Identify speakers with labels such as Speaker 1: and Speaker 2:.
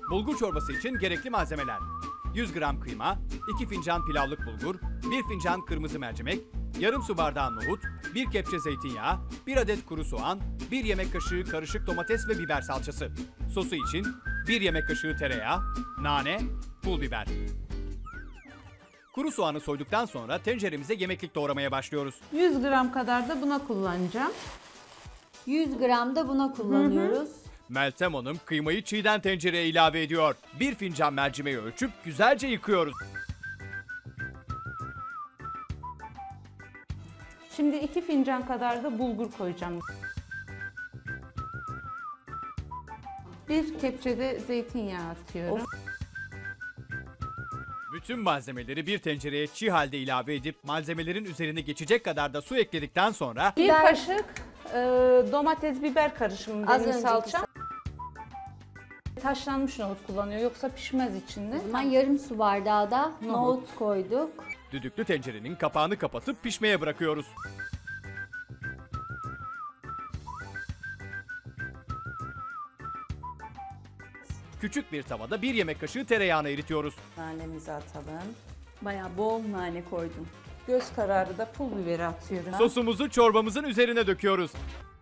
Speaker 1: Bulgur çorbası için gerekli malzemeler: 100 gram kıyma, 2 fincan pilavlık bulgur, 1 fincan kırmızı mercimek, yarım su bardağı nohut, 1 kepçe zeytinyağı, 1 adet kuru soğan, 1 yemek kaşığı karışık domates ve biber salçası. Sosu için 1 yemek kaşığı tereyağı, nane, pul biber. Kuru soğanı soyduktan sonra tenceremize yemeklik doğramaya başlıyoruz.
Speaker 2: 100 gram kadar da buna kullanacağım.
Speaker 3: 100 gram da buna kullanıyoruz.
Speaker 1: Meltem Hanım kıymayı çiğden tencereye ilave ediyor. 1 fincan mercimeği ölçüp güzelce yıkıyoruz.
Speaker 2: Şimdi 2 fincan kadar da bulgur koyacağım. 1 kepçe de zeytinyağı atıyorum.
Speaker 1: Bütün malzemeleri bir tencereye çiğ halde ilave edip malzemelerin üzerine geçecek kadar da su ekledikten sonra
Speaker 2: 1 kaşık domates biber karışımı
Speaker 3: Az
Speaker 2: benim
Speaker 3: önceki
Speaker 2: salçam. Haşlanmış nohut kullanıyor yoksa pişmez içinde.
Speaker 3: O zaman yarım su bardağı da nohut koyduk.
Speaker 1: düdüklü tencerenin kapağını kapatıp pişmeye bırakıyoruz. Küçük bir tavada 1 yemek kaşığı tereyağını eritiyoruz.
Speaker 2: Nanemizi atalım.
Speaker 4: Bayağı bol nane koydum.
Speaker 2: Göz kararı da pul biberi atıyorum.
Speaker 1: Sosumuzu çorbamızın üzerine döküyoruz.